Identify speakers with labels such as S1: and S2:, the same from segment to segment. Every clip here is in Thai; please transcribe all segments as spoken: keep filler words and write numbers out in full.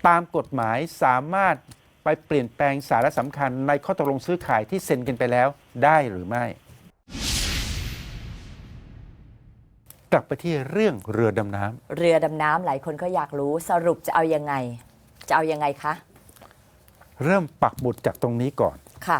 S1: ตามกฎหมายสามารถไปเปลี่ยนแปลงสาระสำคัญในข้อตกลงซื้อขายที่เซ็นกันไปแล้วได้หรือไม่กลับไปที่เรื่องเรือดำน้ำ
S2: เรือดำน้ำหลายคนก็อยากรู้สรุปจะเอายังไงจะเอายังไงคะ
S1: เริ่มปักหมุดจากตรงนี้ก่อน
S2: ค่ะ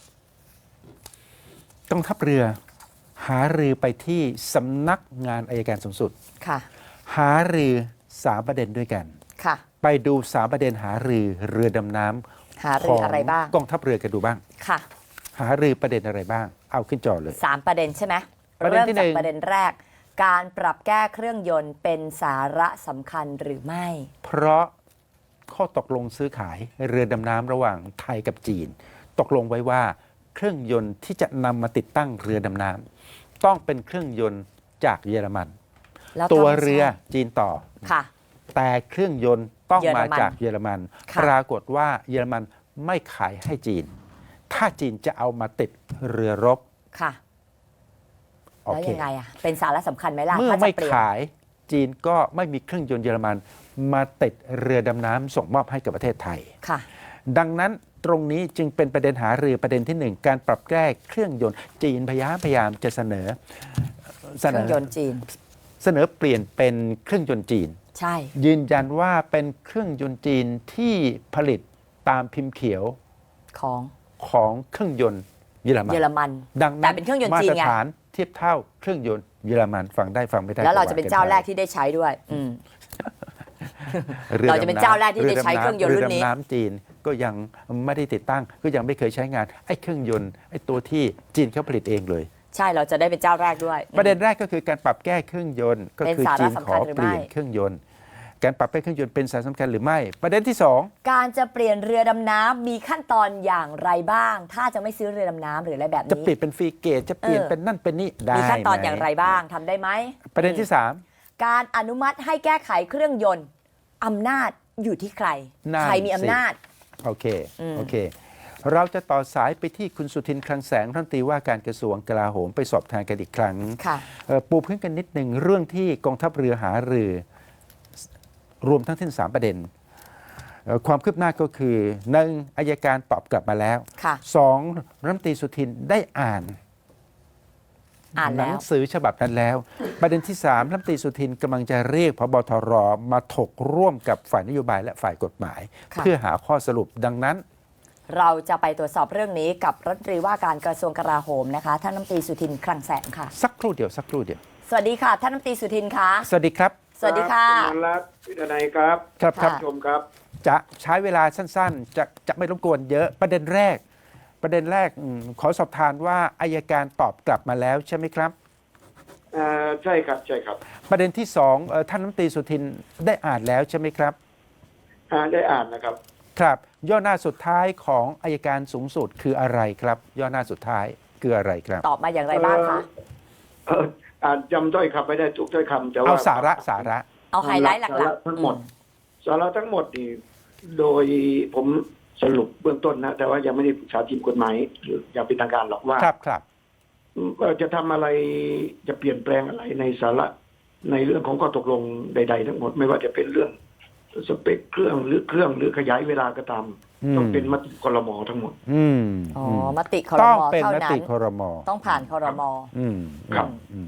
S1: กองทัพเรือหารือไปที่สำนักงานอัยการสูงสุด
S2: ค่ะ
S1: หารือสามประเด็นด้วยกัน
S2: ค่ะ
S1: ไปดูสามประเด็นหารือเรือดำน้
S2: ำหารืออะไรบ้าง
S1: กองทัพเรือกันดูบ้าง
S2: ค่ะ
S1: หารือประเด็นอะไรบ้างเอาขึ้นจอเลย
S2: สามประเด็นใช่ไหม
S1: ประเด็นที่หนึ่ง
S2: ประเด็นแรกการปรับแก้เครื่องยนต์เป็นสาระสำคัญหรือไม่
S1: เพราะข้อตกลงซื้อขายเรือดำน้ำระหว่างไทยกับจีนตกลงไว้ว่าเครื่องยนต์ที่จะนำมาติดตั้งเรือดำน้ำต้องเป็นเครื่องยนต์จากเยอรมันตัวเรือจีนต่อ
S2: ค่ะ
S1: แต่เครื่องยนต์ต้องมาจากเยอรมันปรากฏว่าเยอรมันไม่ขายให้จีนถ้าจีนจะเอามาติดเรือรบ
S2: ค่ะแล้วยังไงอ่ะเป็นสาระสำคัญไหมล่ะ
S1: เมื่อไม่ขายจีนก็ไม่มีเครื่องยนต์เยอรมันมาติดเรือดำน้ำส่งมอบให้กับประเทศไทย
S2: ค่ะ
S1: ดังนั้นตรงนี้จึงเป็นประเด็นหารือประเด็นที่หนึ่งการปรับแก้เครื่องยนต์จีนพยายามพยายามจะเสนอ
S2: เครื่องยนต์จีน
S1: เสนอเปลี่ยนเป็นเครื่องยนต์จีน
S2: ใช่
S1: ยืนยันว่าเป็นเครื่องยนต์จีนที่ผลิตตามพิมพ์เขียว
S2: ของ
S1: ของเครื่องยนต์เยอรมัน
S2: เยอรมัน
S1: ดังนั้น
S2: แต่เป็นเครื่องยนต์จีนไง
S1: มาตรฐานเทียบเท่าเครื่องยนต์เยอรมันฟังได้ฟังไม่ได้
S2: แล้วเราจะเป็นเจ้าแรกที่ได้ใช้ด้วยอืมเราจะเป็นเจ้าแรกที่ได้ใช้เครื่องยนต์รุ่นนี้
S1: เรือดำน้ำจีนก็ยังไม่ได้ติดตั้งก็ยังไม่เคยใช้งานไอ้เครื่องยนต์ไอ้ตัวที่จีนเขาผลิตเองเลย
S2: ใช่เราจะได้เป็นเจ้าแรกด้วย
S1: ประเด็นแรกก็คือการปรับแก้เครื่องยนต์ก็คือจีนขอเปลี่ยนเครื่องยนต์การปรับแก้เครื่องยนต์เป็นสาระสำคัญหรือไม่ประเด็นที่สอง
S2: การจะเปลี่ยนเรือดำน้ำมีขั้นตอนอย่างไรบ้างถ้าจะไม่ซื้อเรือดำน้ำหรืออะไรแบบนี้
S1: จะเปลี่ยนเป็นฟรีเกตจะเปลี่ยนเป็นนั่นเป็นนี่ได้
S2: มีขั้นตอนอย่างไรบ้างทำได้ไหม
S1: ประเด็นที่สาม
S2: การอนุมัติให้แก้ไขเครื่องยนต์อำนาจอยู่ที่ใครใครมีอำนาจ
S1: โอเคโอเคเราจะต่อสายไปที่คุณสุทินคลังแสงรัฐมนตรีว่าการกระทรวงกลาโหมไปสอบทานกันอีกครั้งปูพื้นกันนิดหนึ่งเรื่องที่กองทัพเรือหารือรวมทั้งสิ้นสามประเด็นความคืบหน้าก็คือหนึ่งอัยการตอบกลับมาแล้วสองรัฐมนตรีสุทินได้อ่านหนังสือฉบับนั้นแล้วประเด็นที่สามรัฐมนตรีสุทินกำลังจะเรียกผบ.ทร.มาถกร่วมกับฝ่ายนโยบายและฝ่ายกฎหมายเพื่อหาข้อสรุปดังนั้น
S2: เราจะไปตรวจสอบเรื่องนี้กับรัฐมนตรีว่าการกระทรวงกลาโหมนะคะท่านรัฐมนตรีสุทินคลังแสงค่ะ
S1: สักครู่เดียวสักครู่เดียว
S2: สวัสดีค่ะท่านรัฐมนตรีสุทินค่ะ
S1: สวัสดีครับ
S2: สวัสดีค่ะ
S3: คุณรัฐพิธนัยครับ
S1: ครับครับ
S3: ชมครับ
S1: จะใช้เวลาสั้นๆจะจะไม่รบกวนเยอะประเด็นแรกประเด็นแรกขอสอบทานว่าอัยการตอบกลับมาแล้วใช่ไหมครับ
S3: อ่าใช่ครับใช่ครับ
S1: ประเด็นที่สองท่านรัฐมนตรีสุทินได้อ่านแล้วใช่ไหมครับ
S3: อ่าได้อ่านนะครับ
S1: ครับย่อหน้าสุดท้ายของอัยการสูงสุดคืออะไรครับย่อหน้าสุดท้ายคืออะไรครับ
S2: ตอบมาอย่างไรบ้างคะ
S3: เอออ่านจำถ้อยคำไม่ได้ทุกถ้อยคำแต่ว่า
S1: เอาสาระสาระ
S2: เอาไฮไลท์หลัก
S3: ๆทั้งหมดสาระทั้งหมดนี่โดยผมสรุปเบื้องต้นนะแต่ว่ายังไม่ได้ปรึกษาทีมกฎหมายหรืออย่างเป็นทางการหรอกว่า
S1: ครับครับ
S3: จะทำอะไรจะเปลี่ยนแปลงอะไรในสาระในเรื่องของข้อตกลงใดๆทั้งหมดไม่ว่าจะเป็นเรื่องสเปคเครื่องหรือเครื่องหรือขยายเวลาก็ตามต้องเป็นมติครม.ทั้งหมด
S1: อืม
S2: อ๋อมติครม.
S1: ต้องเป็นมติครม.
S2: ต้องผ่านครม.
S1: อืม
S3: ครับ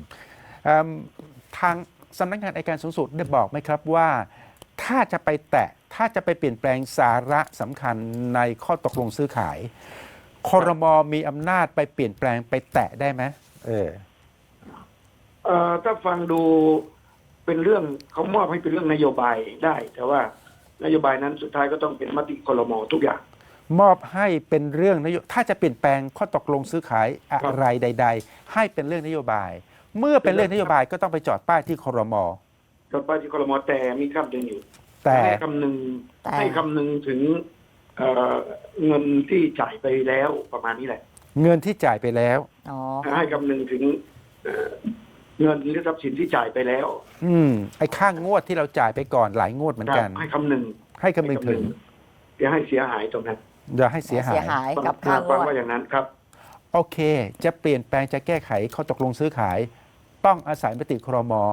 S1: ทางสำนักงานอัยการสูงสุดได้บอกไหมครับว่าถ้าจะไปแตะถ้าจะไปเปลี่ยนแปลงสาระสำคัญในข้อตกลงซื้อขายครม.มีอำนาจไปเปลี่ยนแปลงไปแตะได้ไหมเออ
S3: เอ่อถ้าฟังดูเป็นเรื่องเขามอบให้เป็นเรื่องนโยบายได้แต่ว่านโยบายนั้นสุดท้ายก็ต้องเป็นมติครม.ทุกอย่าง
S1: มอบให้เป็นเรื่องนโยถ้าจะเปลี่ยนแปลงข้อตกลงซื้อขายอะไรใดๆให้เป็นเรื่องนโยบายเมื่อเป็นเรื่องนโยบายก็ต้องไปจอดป้ายที่ครม.
S3: จอดป้ายที่ครม.แต่มีคำหนึ่งอยู่
S1: แต่
S3: ให้คำหนึ่งให้คำหนึ่งถึงเอ่อเงินที่จ่ายไปแล้วประมาณนี้แหละ
S1: เงินที่จ่ายไปแล้ว
S3: ให้คำหนึ่งถึงเงินหรือทรัพย์สินที่จ่ายไปแล้ว
S1: อืมไอ้ค่างวดที่เราจ่ายไปก่อนหลายงวดเหมือนกัน
S3: ให้คำหนึ่ง
S1: ให้คำหนึ่งถึง
S3: อย่าให้เสียหายตรงนั้น
S1: อย่าให้เสียหาย
S2: กับค่างวด
S3: ว่าอย่างนั้นครับ
S1: โอเคจะเปลี่ยนแปลงจะแก้ไขข้อตกลงซื้อขายต้องอาศัยมติครม.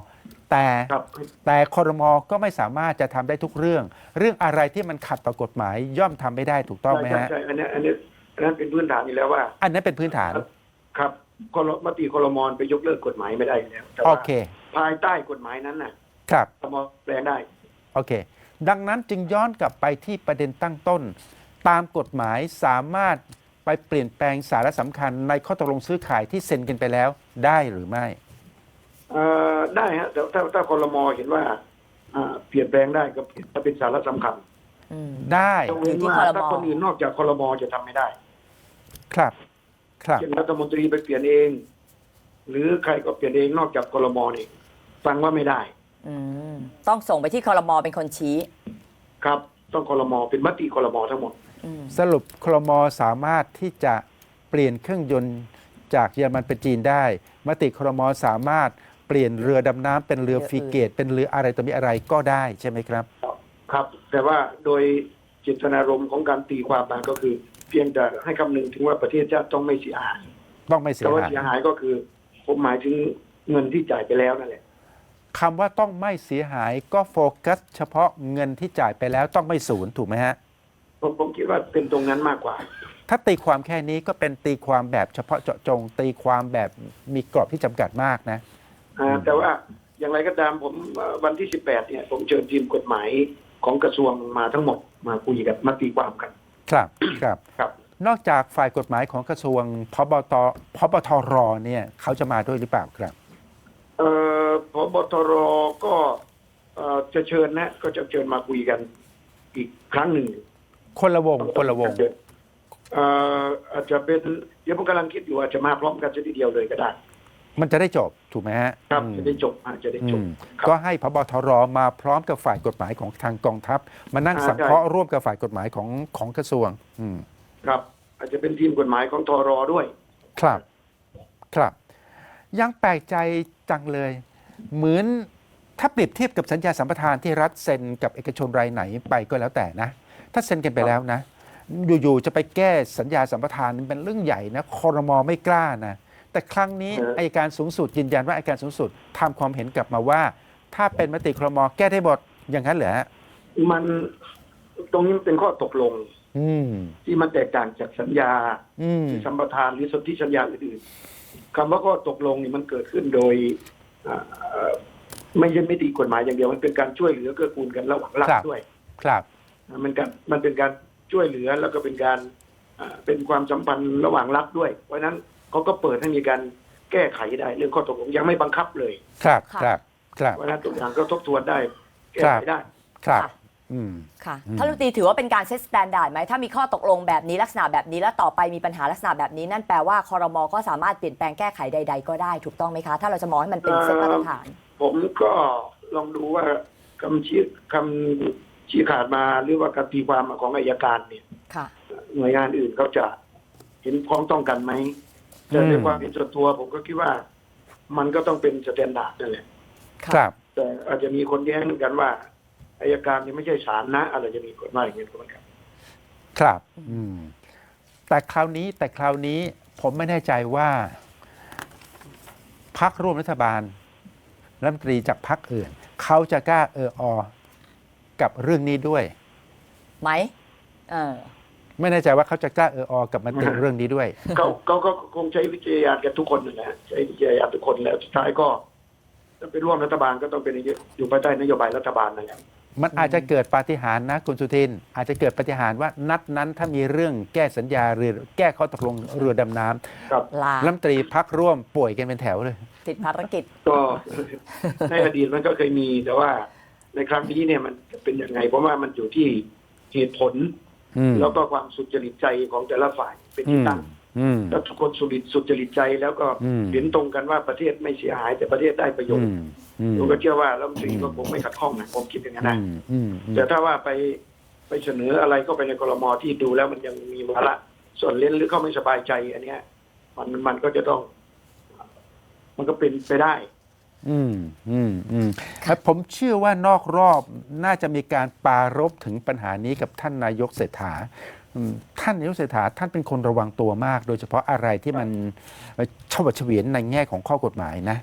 S1: แต่
S3: ครับ
S1: แต่ครมก็ไม่สามารถจะทำได้ทุกเรื่อง เรื่องอะไรที่มันขัดต่อกฎหมาย ย่อมทำไม่ได้ถูกต้องไหม
S3: ใช่
S1: ฮะ
S3: ใช่อันนี้อันนี้อันนั้นเป็นพื้นฐานอยู่แล้วว่า
S1: อันนั้นเป็นพื้นฐาน
S3: ครับครมติครมไปยกเลิกกฎหมายไม่ได้อยู่แล้วแต่
S1: โอ
S3: ว่า
S1: เค
S3: ภายใต้กฎหมายนั้นน่ะ
S1: ครับ
S3: ครมแปลงได้
S1: โอเค ดังนั้นจึงย้อนกลับไปที่ประเด็นตั้งต้น ตามกฎหมายสามารถไปเปลี่ยนแปลงสาระสำคัญในข้อตกลงซื้อขายที่เซ็นกันไปแล้วได้หรือไม่
S3: เอ่อได้ฮะแต่ถ้าถ้าครมเห็นว่าอ่าเปลี่ยนแปลงได้ก็เปลี่ยนถ้าเป็นสาระสำคัญ
S2: อืม
S1: ได้
S3: ต้องเว้น
S2: อยู่ที่
S3: ว่า
S2: ครม
S3: ถ้าคนอื่นนอกจากครมจะทำไม่ได้
S1: ครับ ครับ
S3: เช่นรัฐมนตรีไปเปลี่ยนเอง หรือใครก็เปลี่ยนเองนอกจากครมนี่ฟังว่าไม่ได้
S2: อืมต้องส่งไปที่ครมเป็นคนชี้
S3: ครับ ต้องครมเป็นมติครมทั้งหมด
S2: อืม
S1: สรุปครมสามารถที่จะเปลี่ยนเครื่องยนต์จากเยอรมันเป็นจีนได้ มติครมสามารถเปลี่ยนเรือดำน้ำเป็นเรือฟริเกต เป็นเรืออะไรต่อมีอะไรก็ได้ใช่ไหมครับ
S3: ครับ แต่ว่าโดยเจตนารมณ์ของการตีความมาก็คือ เพียงแต่ให้คำนึงถึงว่าประเทศชาติต้องไม่เสียหาย
S1: ต้องไม่เสีย
S3: แต่ว่า
S1: หาย
S3: เสียหายก็คือ ผมหมายถึงเงินที่จ่ายไปแล้วนั่นแหละ
S1: คำว่าต้องไม่เสียหายก็โฟกัสเฉพาะเงินที่จ่ายไปแล้วต้องไม่สูญถูกไหมฮะ
S3: ผมผมคิดว่าเป็นตรงนั้นมากกว่า
S1: ถ้าตีความแค่นี้ก็เป็นตีความแบบเฉพาะเจาะจง ตีความแบบมีกรอบที่จำกัดมากนะ
S3: อ่าแต่ว่าอย่างไรก็ตามผมเอ่อวันที่สิบแปดเนี่ย ผมเชิญทีมกฎหมายของกระทรวงมาทั้งหมดมาคุยกันมาตีความกัน
S1: ครับ ครับ
S3: ครับ
S1: นอกจากฝ่ายกฎหมายของกระทรวงพบตพบทรเนี่ยเขาจะมาด้วยหรือเปล่าครับ
S3: เอ่อพบตรก็เอ่อจะเชิญนะ ก็จะเชิญมาคุยกันอีกครั้งหนึ่ง
S1: คนละวงคนละวง
S3: เอ่ออาจจะเป็นเดี๋ยวผมกำลังคิดอยู่อาจจะมาพร้อมกันทีเดียวเลยก็ได้
S1: มันจะได้จบถูกไหมฮะ
S3: ครับ
S1: อืม
S3: จะได้จบอาจจะได้จ
S1: อื
S3: บ
S1: ม
S3: ครับ
S1: ก็ให้พบทรมาพร้อมกับฝ่ายกฎหมายของทางกองทัพ มานั่ง
S3: อ่า
S1: สังเคราะห์ร่วมกับฝ่ายกฎหมายของของกระทรวง อืม
S3: ครับ อาจจะเป็นทีมกฎหมายของทรด้วย
S1: ครับ ครับ ยังแปลกใจจังเลย เหมือนถ้าเปรียบเทียบกับสัญญาสัมปทานที่รัฐเซ็นกับเอกชนรายไหนไปก็แล้วแต่นะ ถ้าเซ็นกันไปแล้วนะ อยู่ๆจะไปแก้สัญญาสัมปทานเป็นเรื่องใหญ่นะครมไม่กล้านะ แต่ครั้งนี้
S3: เออ
S1: อัยการสูงสุดยืนยันว่าอัยการสูงสุดทำความเห็นกลับมาว่า ถ้าเป็นมติครมแก้ได้หมดอย่างนั้นเหรอฮะ
S3: มันตรงนี้มันเป็นข้อตกลง
S1: อืม
S3: ที่มันแตกต่างจากสัญญา
S1: อืม
S3: สัมปทานหรือสนธิสัญญาอื่นๆคำว่าข้อตกลงนี่มันเกิดขึ้นโดยอ่าเอ่อไม่ใช่ไม่ตีกฎหมายอย่างเดียวมันเป็นการช่วยเหลือเกื้อกูลกันระหว่างรัฐ
S1: ครับ
S3: ด้วย
S1: ครับ
S3: มันการมันเป็นการช่วยเหลือแล้วก็เป็นการอ่าเป็นความสัมพันธ์ระหว่างรัฐด้วย เพราะฉะนั้นเขาก็เปิดให้มีการแก้ไขได้เรื่องข้อตกลงยังไม่บังคับเลย
S1: ครับ
S2: ค่ะ
S1: ครับ ครับ
S3: เพราะฉะนั้นทุกอย่างก็ทบทวนได้แก้ไขได้
S1: ครับ
S2: ค่ะ
S1: อืม
S2: ค่ะ
S1: อืม
S2: ท่านรัฐมนตรีถือว่าเป็นการเซตสแตนดาร์ดไหมถ้ามีข้อตกลงแบบนี้ลักษณะแบบนี้แล้วต่อไปมีปัญหาลักษณะแบบนี้ นั่นแปลว่าคอรมอก็สามารถเปลี่ยนแปลงแก้ไขใด ๆ ก็ได้ถูกต้องไหมคะ ถ้าเราจะมองให้มันเป็นเซตมาตรฐาน
S3: ผมก็ลองดูว่าคำชี้คำชี้ขาดมาหรือว่าการตีความของอัยการเนี่ย
S2: ค่ะ
S3: หน่วยงานอื่นเขาจะเห็นพ้องต้องกันไหมแต่ในความเห็นส่วนตัวผมก็คิดว่า มันก็ต้องเป็นสแตนดาร์ดนั่นแหละ
S1: ครับ
S3: แต่อาจจะมีคนแย้งกันว่าอัยการนี่ไม่ใช่ศาลนะอะไรจะมีกฎหมายอย่างนี้ก็เหมือนกัน
S1: ครับ อืม แต่คราวนี้แต่คราวนี้ผมไม่แน่ใจว่าพักร่วมรัฐบาลรัฐมนตรีจากพักอื่น เขาจะกล้าเอออกับเรื่องนี้ด้วย
S2: ไหมเออ
S1: ไม่แน่ใจว่าเขาจะกล้าเอออกับมติเรื่องนี้ด้วย
S3: เขาเขาก็คงใช้วิจารณญาณกันทุกคนนั่นแหละใช้วิจารณญาณทุกคนแล้วสุดท้ายก็ถ้าเป็นร่วมรัฐบาลก็ต้องเป็นอยู่ภายใต้นโยบายรัฐบาลนั่นแหละ
S1: มันอาจจะเกิดปาฏิหาริย์นะคุณสุทิน อาจจะเกิดปาฏิหาริย์ว่านัดนั้นถ้ามีเรื่องแก้สัญญาเรือแก้ข้อตกลงเรือดำน้
S3: ครับ
S2: ลา
S1: ำรัฐมนตรีพักร่วมป่วยกันเป็นแถวเลย
S2: ติดภารกิจ
S3: ก็ ในอดีตมันก็เคยมีแต่ว่าในครั้งนี้เนี่ยมันจะเป็นยังไงเพราะว่ามันอยู่ที่เหตุผล
S1: อืม
S3: แล้วก็ความสุจริตใจของแต่ละฝ่ายเป็น
S1: อื
S3: ที่
S1: ม
S3: ตั้ง
S1: อืม
S3: แล้วทุกคนสุจริตสุจริตใจแล้วก็
S1: อืม
S3: เห็นตรงกันว่าประเทศไม่เสียหายแต่ประเทศได้ประโย
S1: อื
S3: ชน์
S1: มอืม
S3: ผมก็เชื่อว่ารัฐมนตรีก็คงไม่ขัดข้องนะผมคิดอย่างนั้นนะ
S1: อืมอืมอืม
S3: แต่ถ้าว่าไปไปเสนออะไรก็ไปในกรมที่ดูแล้วมันยังมีวาระส่วนเล่นหรือเขาไม่สบายใจ อันเนี้ยมันมันก็จะต้อง มันก็เป็นไปได้
S1: อืมอืมอืมแล้วผมเชื่อว่านอกรอบน่าจะมีการปรารภถึงปัญหานี้กับท่านนายกเศรษฐาอืมท่านนายกเศรษฐาท่านเป็นคนระวังตัวมาก โดยเฉพาะอะไรที่มันเฉวดเฉวียนในแง่ของข้อกฎหมายนะ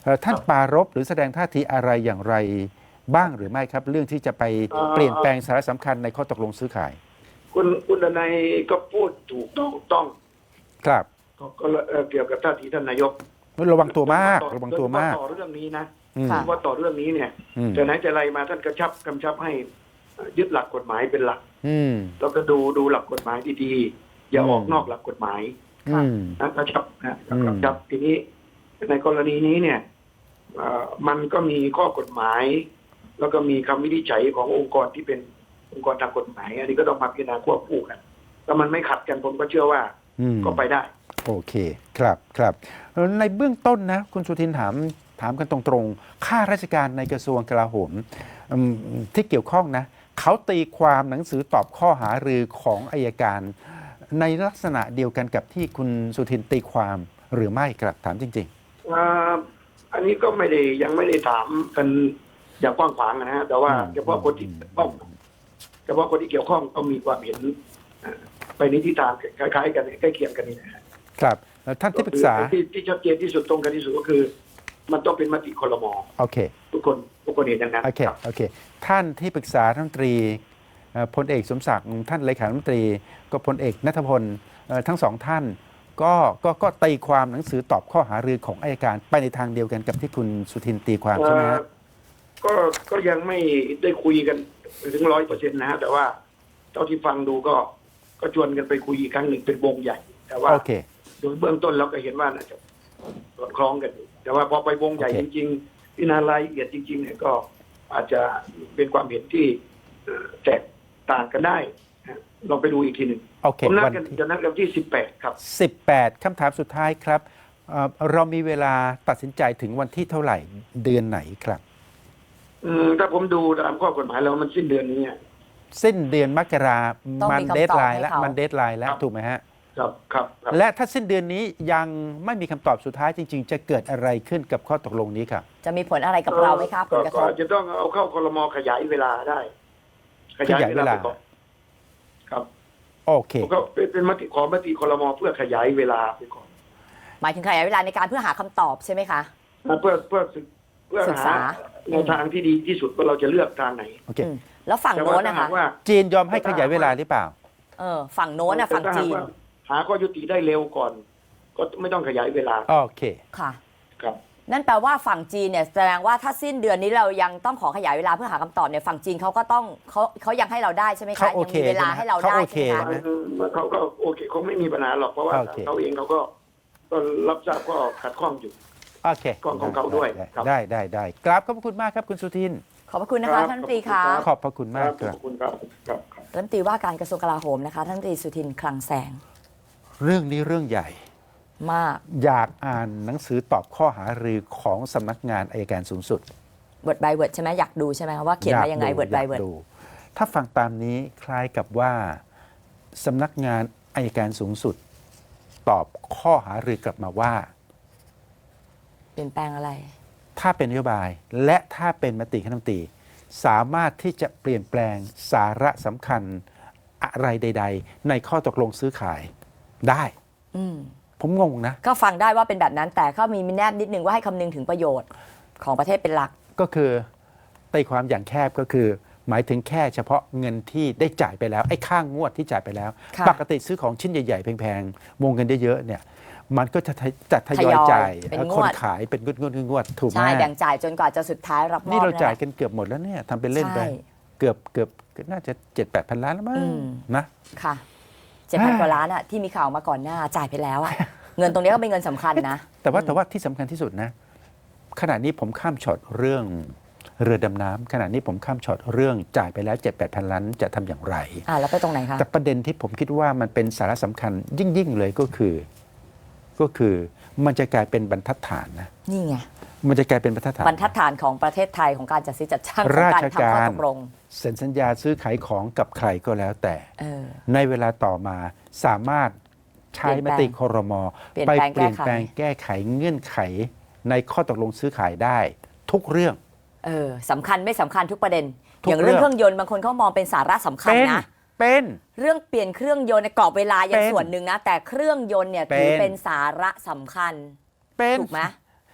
S1: เอ่อท่านปรารภหรือแสดงท่าทีอะไรอย่างไรบ้างหรือไม่ครับ เรื่องที่จะไปเปลี่ยนแปลงสาระสำคัญในข้อตกลงซื้อขาย
S3: คุณคุณดนัยก็พูดถูกต้องต้อง
S1: ครับ
S3: ก็ก็เอ่อเกี่ยวกับท่าทีท่านนายก
S1: ระวังตัวมากระวังตัวมาก
S3: โดยเฉพะต่อเรื่องนี้นะ
S1: อืม
S2: ค่ะ
S3: ว่าต่อเรื่องนี้เนี่ย
S1: อืม
S3: แต่ไหนแต่ไรมาท่านกระชับกำชับให้ยึดหลักกฎหมายเป็นหลัก
S1: อืม
S3: แล้วก็ดูดูหลักกฎหมายดีๆอย่า
S1: อืม
S3: ออกนอกหลักกฎหมาย
S1: อืม
S3: นะกระชับนะ
S1: อืม
S3: กระชับทีนี้ในกรณีนี้เนี่ยเอ่อมันก็มีข้อกฎหมาย แล้วก็มีคำวินิจฉัยขององค์กรที่เป็นองค์กรทางกฎหมาย อันนี้ก็ต้องมาพิจารณาควบคู่กันถ้ามันไม่ขัดกันผมก็เชื่อว่า
S1: อืม
S3: ก็ไปได้
S1: โอเคครับครับเอ่อในเบื้องต้นนะคุณสุทินถามถามกันตรงๆข้าราชการในกระทรวงกลาโหมอืมที่เกี่ยวข้องนะเขาตีความหนังสือตอบข้อหารือของอายการ ในลักษณะเดียวกันกับที่คุณสุทินตีความหรือไม่ครับถามจริง
S3: อ่าอันนี้ก็ไม่ได้ยังไม่ได้ถามกันอย่างกว้างขวางนะฮะแต่ว่า
S1: อืม
S3: เฉพาะคนที่เกี่ยวข้องเฉพาะคนที่เกี่ยวข้องก็มีความเห็นอ่าไปในทิศทางคล้ายๆกันใกล้เคียงกันนี่นะฮะ
S1: ๆ ครับเอ่อท่านที่ปรึกษา
S3: ที่ที่ชัดเจนที่สุดตรงกันที่สุดก็คือ มันต้องเป็นมติครม.
S1: โอเค
S3: ทุกคนทุกคนเห็นอย่างนั้น
S1: โอเค
S3: ครับ
S1: โอเค ท่านที่ปรึกษาท่านรัฐมนตรีเอ่อพลเอกสมศักดิ์ท่านเลขาธิการรัฐมนตรีก็พลเอกณัฐพลเอ่อทั้งสองท่านก็ก็ก็ตีความหนังสือตอบข้อหารือของอัยการไปในทางเดียวกันกับที่คุณสุทินตีความใช่ไหมฮะ
S3: เอ่อก็ก็ยังไม่ได้คุยกันถึงร้อยเปอร์เซ็นต์นะฮะแต่ว่าเท่าที่ฟังดูก็ก็ชวนกันไปคุยอีกครั้งหนึ่งเป็นวงใหญ่ แต่ว่า
S1: โอเค
S3: โดยเบื้องต้นเราก็เห็นว่าน่าจะสอดคล้องกันอยู่แต่ว่าพอไปวงใหญ่
S1: โอเค
S3: จริงๆพิจารณารายละเอียดจริง ๆ เนี่ยก็อาจจะเป็นความเห็นที่เอ่อแตกต่างกันได้นะลองไปดูอีกทีหนึ่ง
S1: โอเค
S3: ผมนัด
S1: วัน
S3: กัน
S1: ที่
S3: จะนัดกันที่สิบแปดครับ
S1: สิบแปดคำถามสุดท้ายครับเอ่อเรามีเวลาตัดสินใจถึงวันที่เท่าไหร่เดือนไหนครับ
S3: อืมถ้าผมดูตามข้อกฎหมายแล้วมันสิ้นเดือนนี้อะ
S1: สิ้นเดือนมกรา
S2: ต้อง
S1: มั
S2: มี
S1: น
S2: คำตอบ
S1: เดทไลน์
S2: ให้
S1: แล้ว
S2: เขามั
S1: มันเดทไลน์แล้วถูกไหมฮะ
S3: ครับครับครับ
S1: และถ้าสิ้นเดือนนี้ยังไม่มีคำตอบสุดท้ายจริง ๆ จะเกิดอะไรขึ้นกับข้อตกลงนี้ครับ
S2: จะมีผลอะไรกับเราไหมคะผลกระท
S3: ก็
S2: บ
S3: อาจจะต้องเอาเข้าครมขยายเวลาได้
S1: ขยายเวลา
S3: ไปก่อนครับ
S1: โอเค
S3: ผมก็เป็นเป็นมติขอมติครมเพื่อขยายเวลาไปก่อน
S2: หมายถึงขยายเวลาในการเพื่อหาคำตอบใช่ไหมคะ
S3: นะเพื่อเพื่อศึกเพื่อ
S2: ศึก
S3: หา
S2: ษา
S3: แนวทางที่ดีที่สุดว่าเราจะเลือกทางไหน
S1: โอเค
S2: อืมแล้วฝั่ง
S3: แต่
S2: โน้
S3: ว่าน ถ้า
S2: นะ
S3: หา
S2: คะ
S3: กว่า
S1: จีนยอมให้ขยายเวลาหรือเปล่า
S2: เออฝั่งโน้นนะฝั่ง
S3: แต่ถ้าหาก
S2: จีน
S3: ว่าหาข้อยุติได้เร็วก่อน ก็ไม่ต้องขยายเวลา
S1: โอเค
S2: ค่ะ
S3: ครับ
S2: นั่นแปลว่าฝั่งจีนเนี่ยแสดงว่าถ้าสิ้นเดือนนี้เรายังต้องขอขยายเวลาเพื่อหาคำตอบเนี่ยฝั่งจีนเขาก็ต้องเขาเขายังให้เราได้ใช่ไหมคะ
S1: เขาโอ
S2: ยัง
S1: เค
S2: มีเวลาให้เราได้
S1: เขาโอเค
S2: ใช่ไหมคะ
S1: ใช่ไหม
S3: เขาก็โอเคคงไม่มีปัญหาหรอกเพราะว่า
S1: โอเค
S3: เขาเองเขาก็ก็รับทราบก็ขัดข้องอยู่
S1: โอเค
S3: ของของเขาด้วยครับ
S1: ได้ได้ได้กราบขอบพระคุณมากครับคุณสุทิน
S2: ขอบพระคุณนะคะ
S3: ครับ
S2: ท่านรัฐมนตรีคะ
S3: ครับ
S1: ขอบพระคุณมาก
S3: ข
S1: ครั
S3: อบ บคุณครับครับครับ
S2: รัฐมนตรีว่าการกระทรวงกลาโหมนะคะท่านรัฐมนตรีสุทินคลังแสง
S1: เรื่องนี้เรื่องใหญ่
S2: มาก
S1: อยากอ่านหนังสือตอบข้อหารือของสำนักงานอัยการสูงสุด
S2: เวิร์ดบายเวิร์ดใช่ไหมอยากดูใช่ไหมคะว่าเขียนมายังไง
S1: อาก
S2: เวิร์ดบาย
S1: อ
S2: เวิร์ด
S1: ดูถ้าฟังตามนี้คล้ายกับว่าสำนักงานอัยการสูงสุด ตอบข้อหารือกลับมาว่า
S2: เปลี่ยนแปลงอะไร
S1: ถ้าเป็นนโยบายและถ้าเป็นมติคณะรัฐมนตรีสามารถที่จะเปลี่ยนแปลงสาระสำคัญอะไรใด ๆ ในข้อตกลงซื้อขายได้
S2: อืม
S1: ผมงงนะ
S2: ก็ฟังได้ว่าเป็นแบบนั้น แต่ก็มีแนบนิดนึงว่าให้คำนึงถึงประโยชน์ของประเทศเป็นหลัก
S1: ก็คือตีความอย่างแคบก็คือ หมายถึงแค่เฉพาะเงินที่ได้จ่ายไปแล้วไอ้ค่างงวดที่จ่ายไปแล้ว
S2: ค่ะ
S1: ปกติซื้อของชิ้นใหญ่ ๆ แพงๆวงเงินเยอะๆเนี่ยมันก็จะจัดทยอย
S2: ทยอย
S1: จ่าย
S2: เป็นงวด
S1: คนขายเป็นงวดงวดงวดถูกไหม
S2: ใช่แบ่งจ่ายจนกว่าจะสุดท้ายรับมอบ
S1: นี่เราจ่าย
S2: แหละ
S1: กันเกือบหมดแล้วเนี่ยทำเป็นเล่นไป
S2: ใช่
S1: เกือบเกือบน่าจะเจ็ดแปดพันล้านแล้วมั้ง
S2: อืม
S1: นะ
S2: ค่ะเจ็ดพันกว่าล้านอะที่มีข่าวมาก่อนหน้าจ่ายไปแล้วอะเงินตรงนี้ก็เป็นเงินสำคัญนะ
S1: แต่ว่าแต่ว่าที่สำคัญที่สุดนะ ขณะนี้ผมข้ามช็อตเรื่องเรือดำน้ำขณะนี้ผมข้ามช็อตเรื่องจ่ายไปแล้วเจ็ดแปดพันล้านจะทำอย่างไร
S2: อ่าแล้วไปตรงไหนคะ
S1: แต่ประเด็นที่ผมคิดว่ามันเป็นสาระสำคัญยิ่งยิ่งๆเลยก็คือ ก็คือมันจะกลายเป็นบรรทัดฐานนะ
S2: นี่ไง
S1: มันจะกลายเป็นบรรทัดฐาน
S2: บรรทัดฐานของประเทศไทยของการจัดซื้อจัดจ้างของ
S1: รา
S2: การ
S1: ช
S2: ทำข้
S1: กา
S2: อ
S1: ร
S2: ตกลง
S1: เซ็นสัญญาซื้อขายของกับใครก็แล้วแต่
S2: เออ
S1: ในเวลาต่อมาสามารถใช้มติครม
S2: เปลี่ยน
S1: ไป
S2: แปลง
S1: เปลี่ยน
S2: แก้ไข
S1: แปลงแก้ไขเงื่อนไข ในข้อตกลงซื้อขายได้ ทุกเรื่อง
S2: เออสำคัญไม่สำคัญทุกประเด็น
S1: ทุก
S2: อย่างเรื่อง
S1: เรื่อง
S2: เครื่องยนต์บางคนเขามองเป็นสาระสำคัญ
S1: เป็น
S2: นะ
S1: เป็น
S2: เรื่องเปลี่ยนเครื่องยนต์ในกรอบเวลายัง
S1: เป็น
S2: ส่วนหนึ่งนะ แต่เครื่องยนต์เนี่ย
S1: เป็น
S2: ถือเป็นสาระสำคัญ
S1: เป็น
S2: ถูกไหม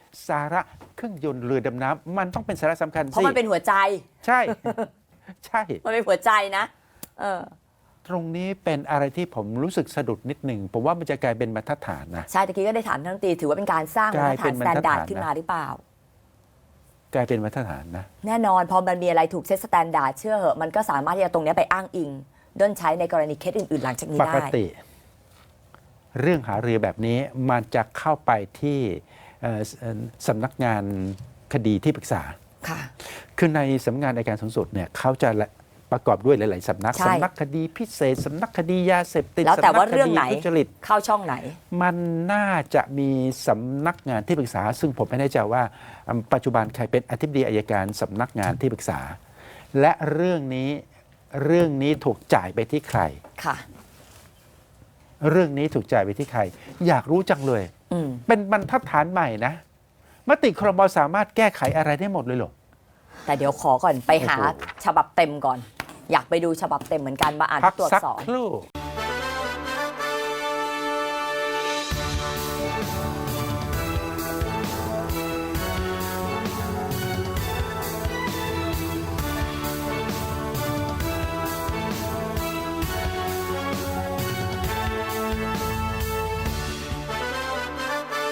S1: สาระเครื่องยนต์เรือดำน้ำมันต้องเป็นสาระสำคัญ
S2: เพราะ
S1: สิ
S2: มันเป็นหัวใจ
S1: ใช่ ใช่
S2: มันเป็นหัวใจนะเออ
S1: ตรงนี้เป็นอะไรที่ผมรู้สึกสะดุดนิดหนึ่งผมว่ามันจะกลายเป็นมาตรฐานนะ
S2: ใช่ตะกี้ก็ได้ถามท่านรัฐมนตรีถือว่าเป็นการสร้างมาตรฐานสแตนดาร์ดขึ้นมาหรือเปล่า
S1: กลายเป็นมาตรฐานนะ
S2: แน่นอนพอมันมีอะไรถูกเซตสแตนดาร์ดเชื่อเหอะมันก็สามารถที่จะตรงเนี้ยไปอ้างอิงด้นใช้ในกรณีเคสอื่นๆหลังจากนี้
S1: ป
S2: ได้
S1: กติ เรื่องหารือแบบนี้มันจะเข้าไปที่เอ่อเอ่อสำนักงานคดีที่ปรึกษา
S2: ค่ะ
S1: คือในสำนักงานอัยการสูงสุดเนี่ยเขาจะละประกอบด้วยหลาย ๆ สำนัก
S2: ใช่
S1: สำนักคดีพิเศษ สำนักคดียาเสพติด
S2: แล้วแต่
S1: สำนั
S2: ว่าก เรื่องไหน
S1: ทุจริต
S2: เข้าช่องไหน
S1: มันน่าจะมีสำนักงานที่ปรึกษา ซึ่งผมไม่แน่ใจว่าอืมปัจจุบันใครเป็นอธิบดีอัยการสำนักงานที่ปรึกษา และเรื่องนี้เรื่องนี้ถูกจ่ายไปที่ใคร
S2: ค่ะ
S1: เรื่องนี้ถูกจ่ายไปที่ใคร อยากรู้จังเลย
S2: อืม
S1: เป็นบรรทัดฐานใหม่นะมติครมสามารถแก้ไขอะไรได้หมดเลยเหรอ
S2: แต่เดี๋ยวขอก่อนไปหา
S1: โอ้โห
S2: ฉบับเต็มก่อน อยากไปดูฉบับเต็มเหมือนกันมาอ่าน
S1: พัก
S2: ตรวจ
S1: สัก
S2: สอบ
S1: ครู่